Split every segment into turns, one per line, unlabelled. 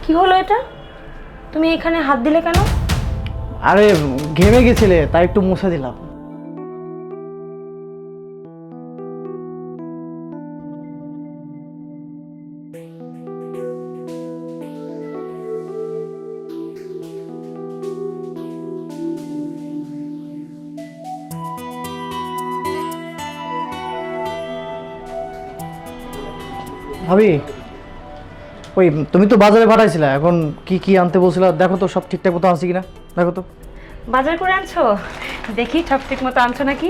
কি হলো এটা? তুমি এখানে হাত দিলে কেন?
আরে ঘেমে গেছিলে তাই একটু মুছে দিলাম। ভাবি, ওই তুমি তো বাজারে পাঠাইছিলা, এখন কি কি আনতে বলছিলা? দেখো তো সব ঠিকঠাক মতো আছে কিনা, দেখো তো।
বাজার করে আনছো? দেখি সব ঠিক মতো আনছো নাকি।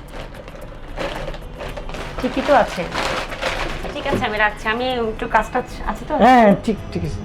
ঠিকই তো আছে। ঠিক আছে, আমি রাখছি, আমি একটু কাজটা আছে তো।
হ্যাঁ ঠিক ঠিক আছে।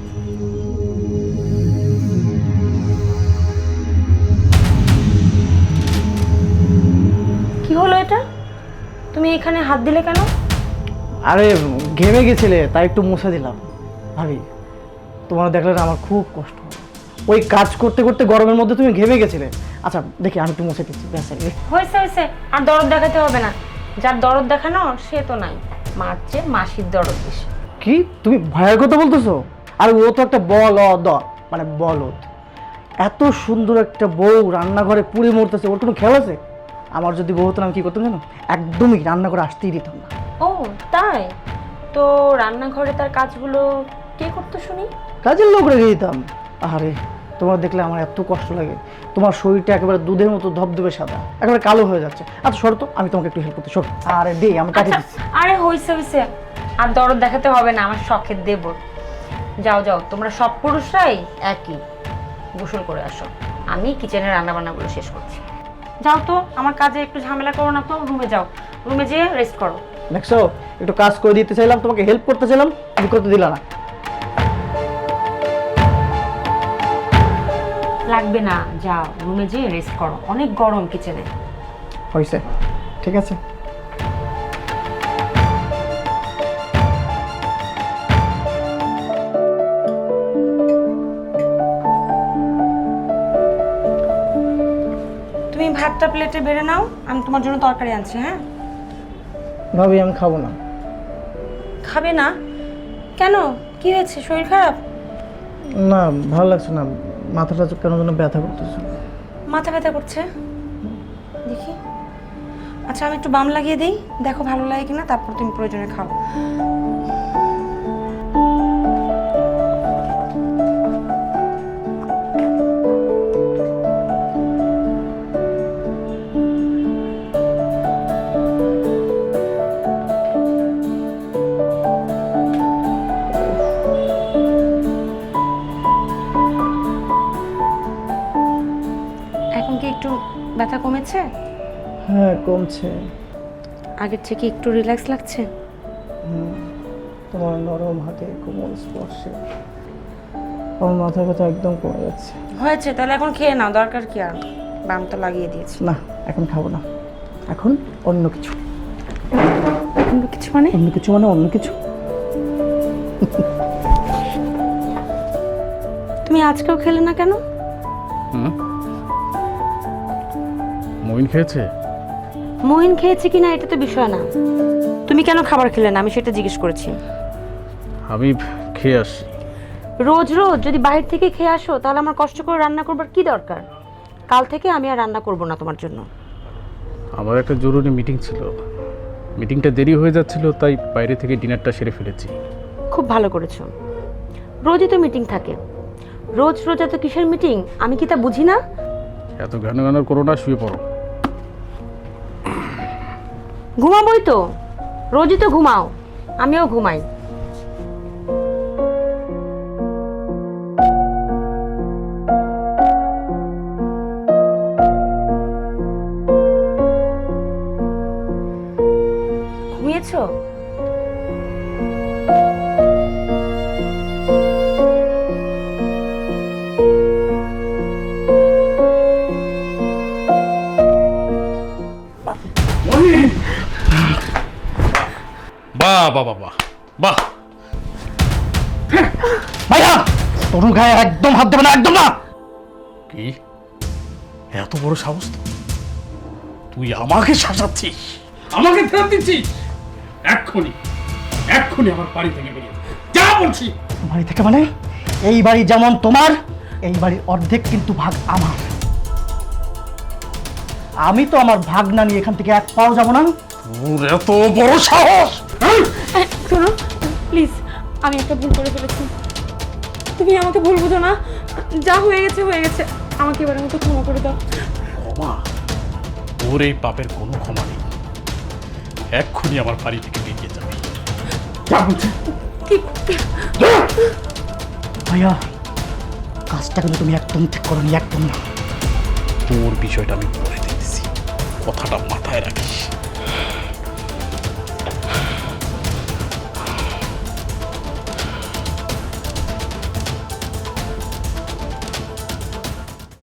কি হলো এটা? তুমি এখানে হাত দিলে কেন?
আরে ঘেমে গেছিলে তাই একটু মুছে দিলাম। ভাবি, তোমার দেখলে না আমার খুব কষ্ট হয়। ওই কাজ করতে করতে গরমের মধ্যে তুমি ঘেমে গেছিলে। আচ্ছা দেখি আমি একটু মুছে দিচ্ছি, ব্যাস।
হয়েছে হয়েছে, আর দরদ দেখাতে হবে না। যার দরদ দেখানো সে তো নাই, মার চেয়ে মাসির দরদ বেশি।
কি তুমি ভয়ের কথা বলতেছো? আর ও তো একটা বলদ, মানে বলদ। এত সুন্দর একটা বউ রান্নাঘরে পুড়ে মরতেছে, ওর কোনো খেয়াল আছে? আমার যদি বউ হতো না আমি কি করতাম জানো? একদমই রান্না করে আসতেই দিতাম না।
ও তাই? তো রান্নাঘরে তার কাজগুলো কে করতো শুনি?
কাজের লোক রেখে দিতাম। আরে তোমার দেখলে আমার এত কষ্ট লাগে। তোমার শরীরটা একেবারে দুধের মতো ধবধবে সাদা, একেবারে কালো হয়ে যাচ্ছে। আচ্ছা সরো তো, আমি তোমাকে একটু হেল্প করতে। সর। আরে দে, আমি কাটিয়ে দিচ্ছি।
আরে হইছে হইছে, আর দরদ দেখাতে হবে না, আমার শখের দেবর। যাও যাও, তোমরা সব পুরুষরাই একই। গোসল করে আসো, আমি কিচেনের রান্না বান্নাগুলো শেষ করছি। যাও তো, আমার কাজে একটু ঝামেলা করো না তো, রুমে যাও, রুমে যেয়ে রেস্ট করো।
দেখছো, একটু কাজ করে দিতে চাইলাম, তোমাকে হেল্প করতে চাইলাম, তুমি করতে দিলা না।
লাগবে না, যাও রুমে যেয়ে রেস্ট করো, অনেক গরম কিচেনে।
হয়েছে, ঠিক আছে।
তুমি ভাতটা প্লেটে বেড়ে নাও, আমি তোমার জন্য তরকারি আনছি। হ্যাঁ
ভাবি আমি খাবো না।
খাবে না কেন? কি হয়েছে, শরীর খারাপ?
না, ভালো লাগছে না, মাথাটা কেন যেন ব্যথা করতেছে।
মাথা ব্যথা করছে? দেখি। আচ্ছা আমি একটু বাম লাগিয়ে দিই, দেখো ভালো লাগে কিনা, তারপর তুমি প্রয়োজনে খাও। এখন কি একটু ব্যথা কমেছে?
হ্যাঁ কমছে।
আগের থেকে একটু রিল্যাক্স লাগছে?
তোমার নরম হাতে কোমল স্পর্শে আমার মাথা ব্যথা একদম কমে যাচ্ছে।
হয়েছে, তাহলে এখন খেয়ে নাও, দরকার কি আর, বাম তো লাগিয়ে দিয়েছি।
না এখন খাবো না, এখন অন্য কিছু।
অন্য কিছু মানে?
অন্য কিছু মানে অন্য কিছু।
তুমি আজকেও খেলে না কেন?
মইন খেয়েছে?
মহিন খেয়েছে কিনা এটা তো বিষয় না, তুমি কেন খাবার খেলে না আমি সেটা জিজ্ঞেস করেছি।
আমি খেয়ে আসছি।
রোজ রোজ যদি বাইরে থেকে খেয়ে আসো তাহলে আমার কষ্ট করে রান্না করবার কি দরকার? কাল থেকে আমি আর রান্না করব না তোমার জন্য।
আমার একটা জরুরি মিটিং ছিল, মিটিংটা দেরি হয়ে যাচ্ছিল, তাই বাইরে থেকে ডিনারটা সেরে ফেলেছি।
খুব ভালো করেছো, রোজই তো মিটিং থাকে, রোজ রোজ এত কিসের মিটিং আমি কি তা বুঝি না?
এত ঘন ঘন করো না, শুয়ে পড়ো।
ঘুমাবোই তো, রোজই তো ঘুমাও, আমিও ঘুমাই। ঘুমিয়েছো?
বাহ বাহ বাহ বাহ বাহ!
ভাইয়া, তরুণ গায়ে একদম হাত দেবে না, একদম না।
কি এত বড় সাহস তো? তুই আমাকে শাসাচ্ছিস, আমাকে ফেরত দিচ্ছিস? এক্ষুনি এক্ষুনি আমার বাড়ি থেকে বেরিয়ে যা, বলছি।
বাড়ি থেকে মানে এই বাড়ি যেমন তোমার, এই বাড়ির অর্ধেক কিন্তু ভাগ আমার। আমি তো আমার ভাগ না নিয়ে এখান থেকে এক পাও যাব না।
তোর এত বড় সাহস!
শোনো প্লিজ, আমি একটা ভুল করে ফেলেছি, তুমি আমাকে ভুল বুঝো না। যা হয়ে গেছে হয়ে গেছে, আমাকে এবারের মতো ক্ষমা করে দাও।
ক্ষমা? তোর এই পাপের কোনো ক্ষমা নেই। এক্ষুনি আমার বাড়ি থেকে বেরিয়ে যাবে।
যা বলছি। ভাইয়া, কাজটা কিন্তু তুমি একদম ঠিক করো নি, একদম না।
তোর বিষয়টা আমি বলে দিতেছি, কথাটা মাথায় রাখিস।